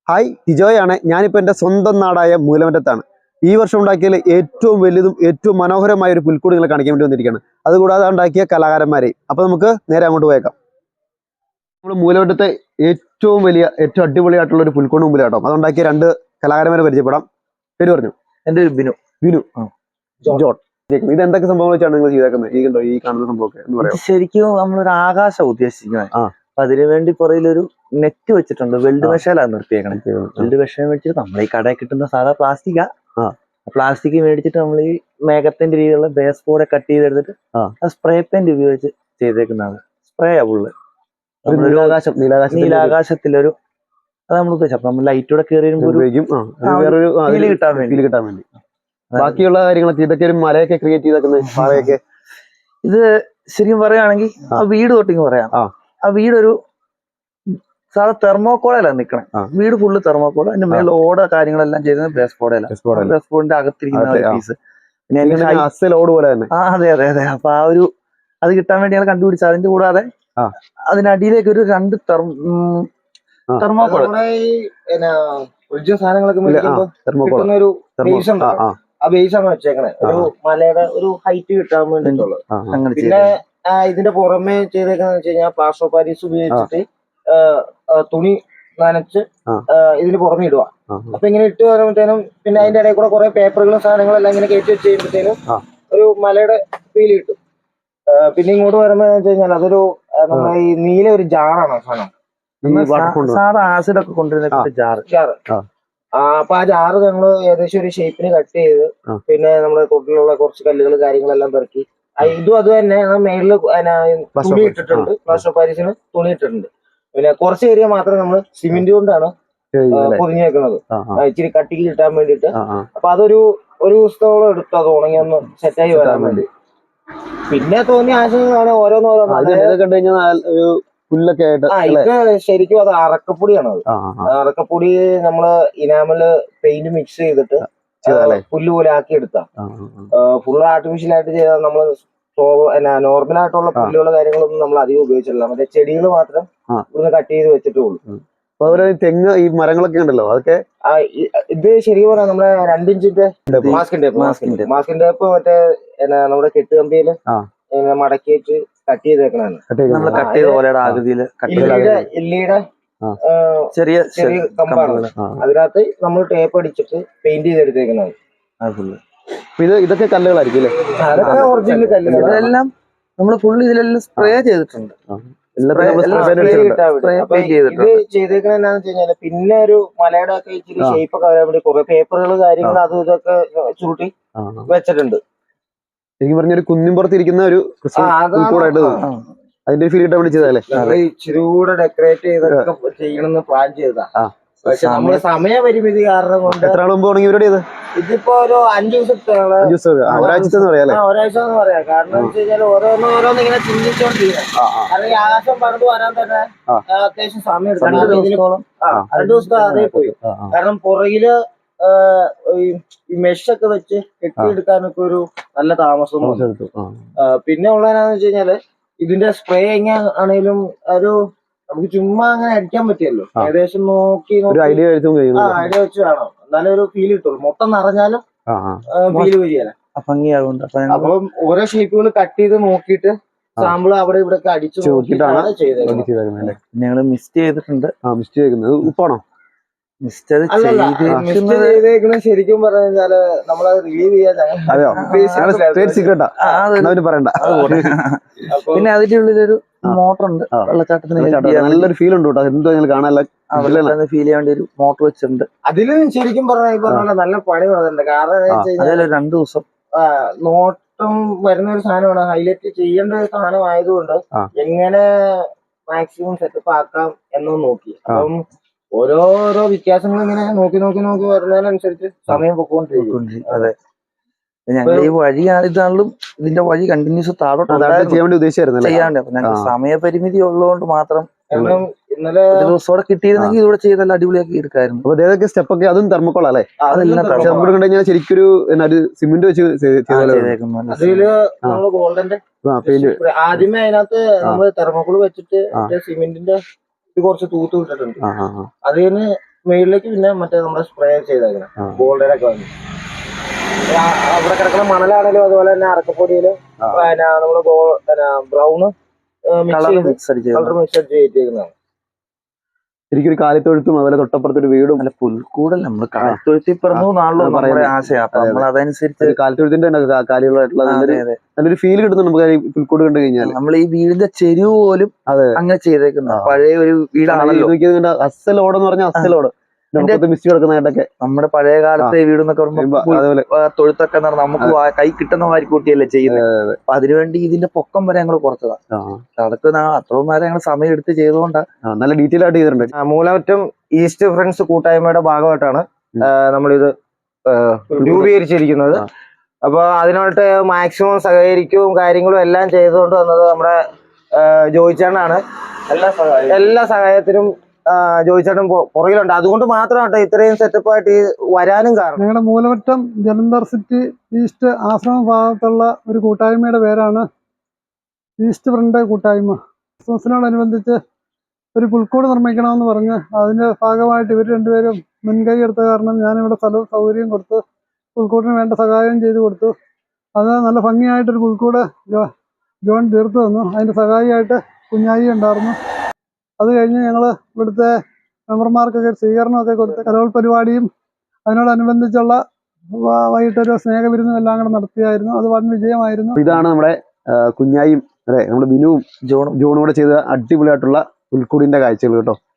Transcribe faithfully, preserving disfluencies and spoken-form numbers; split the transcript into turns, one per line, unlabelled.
Hi ടിജോയാണ്. ഞാനിപ്പോൾ എൻ്റെ സ്വന്തം നാടായ മൂലമറ്റത്താണ്. ഈ വർഷം ഉണ്ടാക്കിയതിൽ ഏറ്റവും വലുതും ഏറ്റവും മനോഹരമായ ഒരു പുൽക്കൂട് നിങ്ങളെ കാണിക്കാൻ വേണ്ടി വന്നിരിക്കുകയാണ്. അതുകൂടാതെ ഉണ്ടാക്കിയ കലാകാരന്മാരെയും. അപ്പോൾ നമുക്ക് നേരെ അങ്ങോട്ട് പോയേക്കാം. നമ്മൾ മൂലമറ്റത്തെ ഏറ്റവും വലിയ ഏറ്റവും അടിപൊളിയായിട്ടുള്ള ഒരു പുൽക്കൂട് മുമ്പിൽ കേട്ടോ. അതുണ്ടാക്കിയ രണ്ട് കലാകാരന്മാരെ പരിചയപ്പെടാം. പേര് പറഞ്ഞു.
എൻ്റെ ബിനു.
ബിനു ജോൺ. ഇത് എന്തൊക്കെ സംഭവങ്ങൾ വെച്ചാണ് നിങ്ങൾ ചെയ്തേക്കുന്നത്? ഈ കണ്ടോ ഈ കാണുന്ന സംഭവമൊക്കെ എന്ന് പറയാം.
ശരിക്കും നമ്മളൊരു ആകാശം ഉദ്ദേശിക്കുന്നത്. അപ്പൊ അതിനു വേണ്ടി പുറയിലൊരു നെറ്റ് വെച്ചിട്ടുണ്ട്. വെൽഡ് മെഷയിലാണ് നിർത്തിയേക്കണം. വെൽഡ് മെഷീൻ വെച്ചിട്ട് നമ്മൾ ഈ കടയിൽ കിട്ടുന്ന സാധാ പ്ലാസ്റ്റിക്കാ. പ്ലാസ്റ്റിക് മേടിച്ചിട്ട് നമ്മൾ ഈ മേഘത്തിന്റെ രീതിയിലുള്ള ബേസ് ബോർഡ് കട്ട് ചെയ്തെടുത്തിട്ട് സ്പ്രേ പെയിന്റ് ഉപയോഗിച്ച് ചെയ്തേക്കുന്നതാണ്. സ്പ്രേ ആ ഫുള്ള്
നീലാകാശം
നീലാകാശത്തിലൊരു അത് നമ്മൾ ഉദ്ദേശിച്ചു. നമ്മൾ ലൈറ്റൂടെ കയറി കിട്ടാൻ വേണ്ടി
കിട്ടാൻ വേണ്ടി ബാക്കിയുള്ള കാര്യങ്ങളൊക്കെ ഇതൊക്കെ ഒരു മലയൊക്കെ ക്രിയേറ്റ് ചെയ്തേക്കുന്നത് പാറയൊക്കെ.
ഇത് ശരിക്കും പറയുകയാണെങ്കിൽ ആ വീട് തൊട്ടിങ് പറയാം. ആ വീടൊരു സാധാ തെർമോക്കോളയിലാണ് നിക്കണേ. വീട് ഫുള്ള് തെർമോക്കോള. അതിന്റെ മേളിൽ ഓട കാര്യങ്ങളെല്ലാം ചെയ്തത് ബേസ് ബോർഡല്ല. ബേസ് ബോർഡിന്റെ അകത്തിരിക്കുന്ന പീസ്. പിന്നെ
ഓട് പോലെ തന്നെ.
ആ അതെ അതെ അതെ. അപ്പൊ ആ ഒരു അത് കിട്ടാൻ വേണ്ടി ഞങ്ങൾ കണ്ടുപിടിച്ചത്. അതിന്റെ കൂടാതെ അതിനടിയിലേക്ക് ഒരു രണ്ട് തെർമോക്കോള
ആ ബേസ് ആണ് വെച്ചേക്കണേ. ഒരു മലയുടെ ഒരു ഹൈറ്റ് കിട്ടാൻ വേണ്ടിട്ടുള്ളത്. പിന്നെ ഇതിന്റെ പുറമെ ചെയ്തേക്കാന്ന് വെച്ച് കഴിഞ്ഞാൽ പ്ലാസ്റ്റർ ഓഫ് പാരീസ് ഉപയോഗിച്ചിട്ട് തുണി നനച്ച് ഇതിന് പുറമെ ഇടുക. അപ്പൊ ഇങ്ങനെ ഇട്ട് വരുമ്പോഴത്തേനും പിന്നെ അതിന്റെ ഇടയിൽ കൂടെ കുറെ പേപ്പറുകളും സാധനങ്ങളെല്ലാം ഇങ്ങനെ കയറ്റി വെച്ച് കഴിയുമ്പോഴത്തേനും ഒരു മലയുടെ ഫീൽ കിട്ടും. പിന്നെ ഇങ്ങോട്ട് വരുമ്പോ വെച്ച് കഴിഞ്ഞാൽ അതൊരു നമ്മുടെ ഈ നീല ഒരു ജാറാണ് സാധനം.
സാധാ ആസിഡൊക്കെ കൊണ്ടുവരുന്ന ജാറ് ജാറ്
അപ്പൊ ആ ജാറ് ഞങ്ങള് ഏകദേശം ഒരു ഷേപ്പിന് കട്ട് ചെയ്ത് പിന്നെ നമ്മുടെ തൊട്ടിലുള്ള കുറച്ച് കല്ലുകൾ കാര്യങ്ങളെല്ലാം പെറുക്കി ഇതും അത് തന്നെ മേളില് തുണി ഇട്ടിട്ടുണ്ട്. പ്ലാസ്റ്റർ ഓഫ് പാരീസിന് തുണി ഇട്ടിട്ടുണ്ട്. പിന്നെ കുറച്ച് ഏരിയ മാത്രം നമ്മൾ സിമെന്റ് കൊണ്ടാണ് പൊതിഞ്ഞു വെക്കുന്നത്, ഇച്ചിരി കട്ടിക്ക് കിട്ടാൻ വേണ്ടിട്ട്. അപ്പൊ അതൊരു ഒരു ദിവസത്തോളം എടുത്തു അത് ഉണങ്ങി ഒന്ന് സെറ്റായി വരാൻ വേണ്ടി. പിന്നെ തോന്നിയ ആശയങ്ങളാണ് ഓരോന്നോരോന്ന്.
പുല്ലൊക്കെ
ഇത് ശരിക്കും അത് അറക്കപ്പൊടിയാണ്. അത് അറക്കപ്പൊടി നമ്മള് ഇനാമല് പെയിന്റ് മിക്സ് ചെയ്തിട്ട് പുല്ല് പോലെ ആക്കി എടുത്താ. ഫുള്ള് ആർട്ടിഫിഷ്യൽ ആയിട്ട് ചെയ്താൽ നമ്മള് നോർമൽ ആയിട്ടുള്ള പുല്ലുകള് കാര്യങ്ങളൊന്നും നമ്മൾ അധികം ഉപയോഗിച്ചിട്ടില്ല. മറ്റേ ചെടികൾ മാത്രം ഇവിടുന്ന് കട്ട് ചെയ്ത് വെച്ചിട്ടേ ഉള്ളൂ.
അതുപോലെ തെങ്ങ് ഈ മരങ്ങളൊക്കെ ഉണ്ടല്ലോ അതൊക്കെ.
ഇത് ശരിക്കും പറഞ്ഞാൽ നമ്മുടെ രണ്ടിഞ്ചിന്റെ masking tape masking masking tape മറ്റേ നമ്മുടെ കെട്ടുകമ്പിയില് മടക്കി വെച്ച് കട്ട് ചെയ്തേക്കണാണ്. എല്ലിയുടെ
ചെറിയ
ചെറിയ കമ്പാണ്. അതിനകത്ത് നമ്മൾ ടേപ്പ് അടിച്ചിട്ട് പെയിന്റ് ചെയ്തെടുത്തേക്കുന്നത്.
ഇത് ഇതൊക്കെ കല്ലുകളായിരിക്കും അല്ലേ?
അതൊക്കെ ഒറിജിനൽ കല്ലുകൾ.
ഇതെല്ലാം നമ്മൾ ഫുള്ള് ഇതിലെല്ലാം സ്പ്രേ ചെയ്തിട്ടുണ്ട്.
ഇത് ചെയ്തേക്കണ എന്താന്ന് വെച്ച് കഴിഞ്ഞാല് പിന്നെ ഒരു മലയുടെ ഒക്കെ ഇച്ചിരി ഷേപ്പ് ഒക്കെ വരാൻ വേണ്ടി കുറെ പേപ്പറുകൾ കാര്യങ്ങൾ അതും ഇതൊക്കെ ചുരുട്ടി വെച്ചിട്ടുണ്ട്.
എനിക്ക് പറഞ്ഞൊരു കുന്നിൻപുറത്തിരിക്കുന്ന ഒരു കൂടായിട്ട് അതിന്റെ ഫീൽ കിട്ടാൻ വേണ്ടി ചെയ്തല്ലേ?
ഇച്ചിരി കൂടെ ഡെക്കറേറ്റ് ചെയ്തൊക്കെ ചെയ്യണമെന്ന് പ്ലാൻ ചെയ്തതാ. പക്ഷെ നമ്മള് സമയപരിമിതി കാരണം കൊണ്ട്
എത്ര മുമ്പ് തുടങ്ങി ഇവരുടെ ഇത്
ഇതിപ്പോ ഒരു അഞ്ചു ദിവസത്തെ
ഒരാഴ്ച പറയാം.
ഒരാഴ്ച എന്ന് പറയാം. കാരണം എന്ന് വെച്ച് കഴിഞ്ഞാൽ ഓരോന്ന് ഓരോന്ന് ഇങ്ങനെ ചിന്തിച്ചോണ്ടിരിക്കണം. കാരണം ഈ ആകാശം പറഞ്ഞു വരാൻ തന്നെ അത്യാവശ്യം സമയം എടുക്കും. രണ്ടു ദിവസത്തെ അതേ പോയി. കാരണം പുറകില് ഈ മെഷൊക്കെ വെച്ച് കെട്ടിയെടുക്കാനൊക്കെ ഒരു നല്ല താമസം. പിന്നെ ഉള്ളതെന്നാന്ന് വെച്ച് കഴിഞ്ഞാല് ഇതിന്റെ സ്പ്രേ എങ്ങനെ ആണെങ്കിലും ഒരു നമുക്ക് ചുമ്മാ അങ്ങനെ അടിക്കാൻ പറ്റിയല്ലോ. ഏകദേശം നോക്കി
ഐഡിയ
ഐഡിയ വെച്ച് വേണം എന്നാലും ഒരു ഫീൽ കിട്ടുള്ളൂ. മൊത്തം നിറഞ്ഞാലും ഫീൽ വരികയല്ല. അപ്പം ഓരോ ഷേപ്പുകൾ കട്ട് ചെയ്ത് നോക്കിയിട്ട് സാമ്പിൾ അവിടെ ഇവിടെ ഒക്കെ അടിച്ചു നോക്കിയിട്ടാണ് ചെയ്തത്.
ഞങ്ങള് മിസ്റ്റ് ചെയ്തിട്ടുണ്ട്.
മിസ്റ്റ് ചെയ്യുന്നത് ഉപ്പാണോ?
ശരിക്കും പറഞ്ഞാല് നമ്മളത് റിവ്യൂ ചെയ്യാൻ
പറയണ്ട.
പിന്നെ അതിന്റെ ഉള്ളിലൊരു മോട്ടർ ഉണ്ട്. വെള്ളച്ചാട്ടത്തിന്
നല്ലൊരു ഫീൽ ഉണ്ട് കേട്ടോ. എന്തോ കാണാനുള്ള
ഫീൽ ചെയ്യാൻ വേണ്ടി ഒരു മോട്ടർ വെച്ചിട്ടുണ്ട്.
അതിലും ശരിക്കും പറഞ്ഞാൽ നല്ല പണി വന്നിട്ടുണ്ട്. കാരണം
രണ്ടു ദിവസം
നോട്ടം വരുന്ന ഒരു സാധനമാണ്. ഹൈലൈറ്റ് ചെയ്യേണ്ട ഒരു സാധനം ആയതുകൊണ്ട് എങ്ങനെ മാക്സിമം സെറ്റപ്പ് ആക്കാം എന്നൊന്ന് നോക്കി. അപ്പം ഓരോരോ വ്യത്യാസങ്ങൾ ഇങ്ങനെ നോക്കി നോക്കി നോക്കി വരുന്നതിനനുസരിച്ച് സമയം പൊക്കോണ്ടിരിക്കും.
അതെ, ഞങ്ങൾ ഈ വഴി ഇതാണെങ്കിലും ഇതിന്റെ വഴി കണ്ടിന്യൂസ് താഴോട്ട് ചെയ്യാണ്ട് സമയപരിമിതി ഉള്ളതുകൊണ്ട് മാത്രം
ഇന്നലെ
ദിവസത്തോടെ കിട്ടിയിരുന്നെങ്കിൽ ഇതിവിടെ ചെയ്തല്ല അടിപൊളിയാക്കി എടുക്കായിരുന്നു.
അപ്പൊ ഏതൊക്കെ സ്റ്റെപ്പൊക്കെ അതും തെർമോക്കോൾ അല്ലേ? ശരിക്കൊരു സിമെന്റ് വെച്ച്
അതില് നമ്മള് ഗോൾഡന്റെ ആദ്യമേ അതിനകത്ത് നമ്മള് തെർമോക്കോൾ വെച്ചിട്ട് സിമെന്റിന്റെ കുറച്ച് തൂത്ത് വിട്ടിട്ടുണ്ട്. അതിന് മേളിലേക്ക് പിന്നെ മറ്റേ നമ്മുടെ സ്പ്രേ ചെയ്തേക്കണം
ആ.
ഗോൾഡൻ ഒക്കെ വന്നു. ആ, അവിടെ കിടക്കുന്ന മണലാണേലും അതുപോലെ തന്നെ അറക്കപ്പൊടിയില്
ആ.
പിന്നെ നമ്മള് ബ്രൗണ് മിക്സ്
കളർ
ചെയ്ത്
മിക്സ് അടിച്ച്
കളർ മിക്സ് അടിച്ച് ചെയ്തേക്കുന്നതാണ്.
എനിക്കൊരു കാലിത്തൊഴുത്തും അതുപോലെ തൊട്ടപ്പുറത്തൊരു വീടും
നല്ല പുൽക്കൂടല്ല നമ്മള് കാലത്തൊഴുത്തി പറഞ്ഞു നാളെ
അത്
നമ്മുടെ
പറയുന്നത്.
ആശയം അപ്പൊ
അതെ,
നമ്മൾ അതനുസരിച്ച്
ഒരു കാലിത്തൊഴുത്തിന്റെ തന്നെ കാ- കാലികളായിട്ടുള്ള
അതെ,
നല്ലൊരു
അതെ.
നല്ലൊരു ഫീൽ കിട്ടുന്നു നമുക്ക് ഈ പുൽക്കൂട് കണ്ടു കഴിഞ്ഞാൽ.
നമ്മൾ ഈ വീടിന്റെ ചെരുവ് പോലും
അതെ.
അങ്ങനെ ചെയ്തേക്കുന്ന
ആ.
പഴയ ഒരു വീടാണല്ലോ.
അസലോട് എന്ന് പറഞ്ഞാൽ അസലോട് മിസ്റ്റ് കിടക്കുന്നതായിട്ടൊക്കെ
നമ്മുടെ പഴയ കാലത്തെ വീട് എന്നൊക്കെ പറയുമ്പോൾ
അതേപോലെ
തൊഴുത്തൊക്കെ എന്ന് പറഞ്ഞാൽ നമുക്ക് വാ- കൈ കിട്ടുന്ന മാതിരി കൂട്ടിയല്ലേ ചെയ്യുന്നത്. അപ്പൊ അതിനുവേണ്ടി ഇതിന്റെ പൊക്കം വരെ ഞങ്ങൾ കുറച്ചതാണ്.
ആ,
അതൊക്കെ നാ- അത്രയും നേരം ഞങ്ങൾ സമയം എടുത്ത് ചെയ്തുകൊണ്ടാണ്.
ആ, നല്ല ഡീറ്റെയിൽ ആയിട്ട് ചെയ്തിട്ടുണ്ട്.
ആ, മൂലമറ്റം ഈസ്റ്റ് ഫ്രണ്ട്സ് കൂട്ടായ്മയുടെ ഭാഗമായിട്ടാണ്
ഉം.
ആ, നമ്മളിത് ആ, രൂപീകരിച്ചിരിക്കുന്നത്.
ആ.
അപ്പൊ അതിനായിട്ട് മാക്സിമം സഹകരിക്കുകയും കാര്യങ്ങളും എല്ലാം ചെയ്തുകൊണ്ട് വന്നത് നമ്മുടെ ആ, ജോയിച്ചേട്ടനാണ്. എല്ലാ സഹായം എല്ലാ സഹായത്തിനും ആ, ജോയിച്ചേട്ടൻ പൊ- പുറകിലുണ്ട്. അതുകൊണ്ട് മാത്രമാണ് ഇത്രയും സെറ്റപ്പ് ആയിട്ട് ഈ വരാനും കാരണം.
ഞങ്ങളുടെ മൂലമറ്റം ജലന്ധർ സിറ്റി ഈസ്റ്റ് ആശ്രമ ഭാഗത്തുള്ള ഒരു കൂട്ടായ്മയുടെ പേരാണ് ഈസ്റ്റ് ഫ്രണ്ട് കൂട്ടായ്മ. ക്രിസ്മസിനോടനുബന്ധിച്ച് ഒരു പുൽക്കൂട് നിർമ്മിക്കണമെന്ന് പറഞ്ഞ് അതിന്റെ ഭാഗമായിട്ട് ഇവർ രണ്ടുപേരും മുൻകൈ എടുത്ത കാരണം ഞാനിവിടെ സ്ഥലവും സൗകര്യം കൊടുത്ത് പുൽക്കൂടിന് വേണ്ട സഹായം ചെയ്തു കൊടുത്തു. അത് നല്ല ഭംഗിയായിട്ടൊരു പുൽക്കൂട് ജോ ജോൺ തീർത്തു തന്നു. അതിന്റെ സഹായിയായിട്ട് കുഞ്ഞായി ഉണ്ടായിരുന്നു. അത് കഴിഞ്ഞ് ഞങ്ങൾ ഇവിടുത്തെ മെമ്പർമാർക്കൊക്കെ ഒരു സ്വീകരണമൊക്കെ കൊടുത്ത് കലോൽ പരിപാടിയും അതിനോടനുബന്ധിച്ചുള്ള വ- വൈകിട്ടൊരു സ്നേഹവിരുന്നും എല്ലാം കൂടെ നടത്തിയായിരുന്നു. അത് വൻ വിജയമായിരുന്നു.
അപ്പൊ ഇതാണ് നമ്മുടെ ആ, കുഞ്ഞായും അല്ലെ നമ്മുടെ ബിനുവും
ജോണും
ജോണും കൂടെ ചെയ്ത അടിപൊളിയായിട്ടുള്ള പുൽക്കൂടിന്റെ കാഴ്ചകൾ കേട്ടോ.